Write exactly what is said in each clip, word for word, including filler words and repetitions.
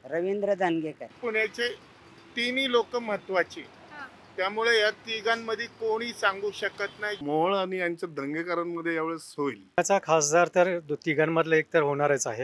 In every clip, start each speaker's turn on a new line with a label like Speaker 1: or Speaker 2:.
Speaker 1: रवींद्र दानगेकर.
Speaker 2: पुण्याचे तिन्ही लोक महत्वाचे, त्यामुळे या तिघांमध्ये कोणी सांगू शकत नाही.
Speaker 3: मोहोळ आणि यांच्या दंगेकरांमध्ये यावेळेस होईल.
Speaker 4: त्याचा खासदार तर दो- तिघांमधला एक तर होणारच आहे.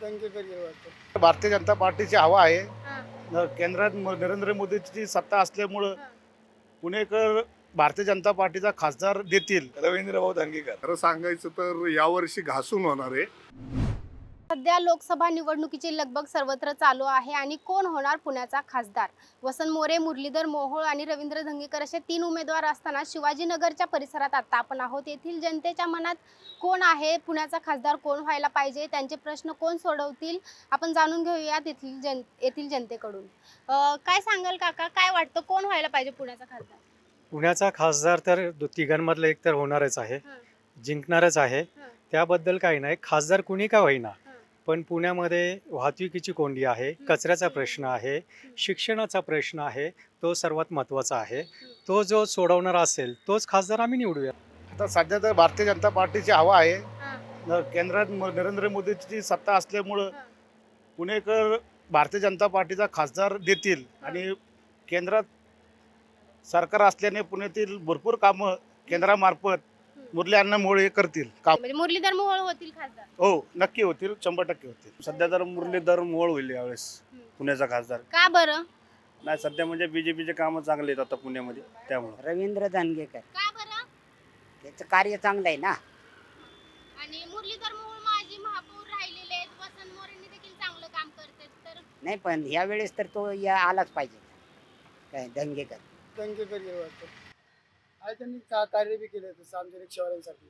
Speaker 5: भारतीय जनता पार्टीची हवा आहे. केंद्रात म- नरेंद्र मोदीची सत्ता असल्यामुळं पुणेकर भारतीय जनता पार्टीचा खासदार देतील.
Speaker 3: रवींद्र भाऊ दंगेकर. खरं सांगायचं तर यावर्षी घासून होणार आहे.
Speaker 6: सध्या लोकसभा निवडणुकीची लगबग सर्वत्र चालू आहे आणि कोण होणार पुण्याचा खासदार? वसंत मोरे, मुरलीधर मोहोळ आणि रवींद्र धंगेकर असे तीन उमेदवार असताना शिवाजीनगरच्या परिसरात आता आपण आहोत. येथील जनतेच्या मनात कोण आहे, पुण्याचा खासदार कोण व्हायला पाहिजे, त्यांचे प्रश्न कोण सोडवतील, आपण जाणून घेऊया येथील जन येथील जनतेकडून. अं, काय सांगाल काका, काय वाटतं कोण व्हायला पाहिजे पुण्याचा खासदार?
Speaker 4: पुण्याचा खासदार तर दो- तिघांमधला एक तर होणारच आहे, जिंकणारच आहे. त्याबद्दल काही नाही, खासदार कुणी का होईना, पण पुण्यामध्ये वाहतुकीची कोंडी आहे, कचऱ्याचा प्रश्न आहे, शिक्षणाचा प्रश्न आहे, तो सर्वात महत्त्वाचा आहे. तो जो सोडवणारा असेल तोच खासदार आम्ही निवडूया.
Speaker 5: आता सध्या तर भारतीय जनता पार्टीची हवा आहे. न- केंद्रात म- नरेंद्र मोदीची सत्ता असल्यामुळं पुणेकर भारतीय जनता पार्टीचा खासदार देतील आणि केंद्रात सरकार असल्याने पुण्यातील भरपूर कामं केंद्रामार्फत मुरली अण्णा मोहोळ करतील काम.
Speaker 6: म्हणजे मुरलीधर मोहोळ होतील खासदार?
Speaker 5: हो, नक्की होतील, शंभर टक्के होतील.
Speaker 7: सध्या तर मुरलीधर मोहोळ होईल यावेळेस पुण्याचा खासदार.
Speaker 6: का बरं?
Speaker 7: नाही, सध्या म्हणजे बीजेपीचे कामं चांगले आहेत आता पुण्यामध्ये, त्यामुळे
Speaker 1: रवींद्र दानगेकर.
Speaker 6: का बरं?
Speaker 1: त्याचं कार्य चांगलं आहे ना.
Speaker 6: आणि मुरलीधर मोहोळ माजी महापौर राहिलेले आहेत, वसंत मोरेंनी देखील चांगलं काम करतात, तर
Speaker 1: नाही पण ह्या वेळेस तर तो या आलाच पाहिजे. काय दंगेकर.
Speaker 8: दंगेकर हे वाटतं. आणि त्यांनी का कार्य बी केलं तसं आमच्या रिक्षावाल्यांसाठी.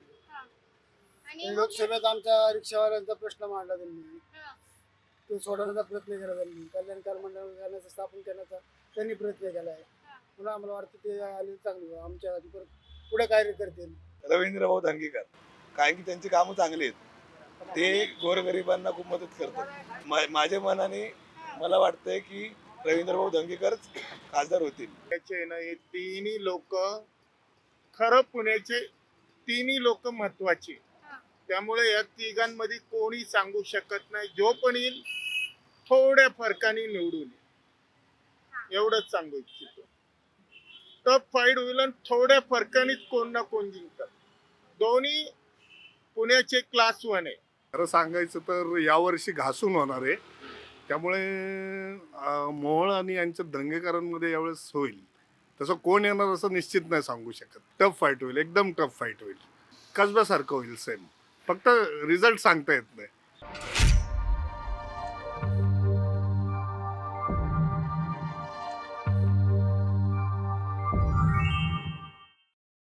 Speaker 6: आणि
Speaker 8: लोकसभेत आमच्या रिक्षावाल्यांचा प्रश्न मांडला त्यांनी,
Speaker 6: हा.
Speaker 8: तो सोडवण्याचा प्रयत्न केला त्यांनी. कल्याणकार मंडळ करण्याचा, स्थापन करण्याचा त्यांनी प्रयत्न केला आहे. म्हणून आम्हाला वाटतं ते आले चांगलं आमच्या आधी परत पुढे कार्य करतील.
Speaker 3: रवींद्र भाऊ दंगेकर, कारण की त्यांची कामं चांगली आहेत. ते गोरगरिबांना खूप मदत करतात. मा- माझ्या मनाने मला वाटतंय की रवींद्र भाऊ दंगेकरच खासदार होतील.
Speaker 2: पुण्याचे ना हे तिन्ही लोक, खरं पुण्याचे तिन्ही लोक महत्वाचे, त्यामुळे या तिघांमध्ये कोणी सांगू शकत नाही. जो पण येईल थोड्या फरकाने निवडून येईल, एवढंच सांगू इच्छितो. टफ फाईट होईल आणि थोड्या फरकानेच कोण ना कोण जिंकतात. दोन्ही पुण्याचे क्लास वन आहे.
Speaker 3: खरं सांगायचं तर यावर्षी घासून होणार आहे. त्यामुळे अं, मोहोळ आणि यांच्या दंगेकरांमध्ये यावेळेस होईल. तसं कोण येणार असं निश्चित नाही सांगू शकत. टफ फाईट होईल, एकदम टफ फाईट होईल. कसब्यासारखं होईल सेम. फक्त रिझल्ट सांगता येत नाही.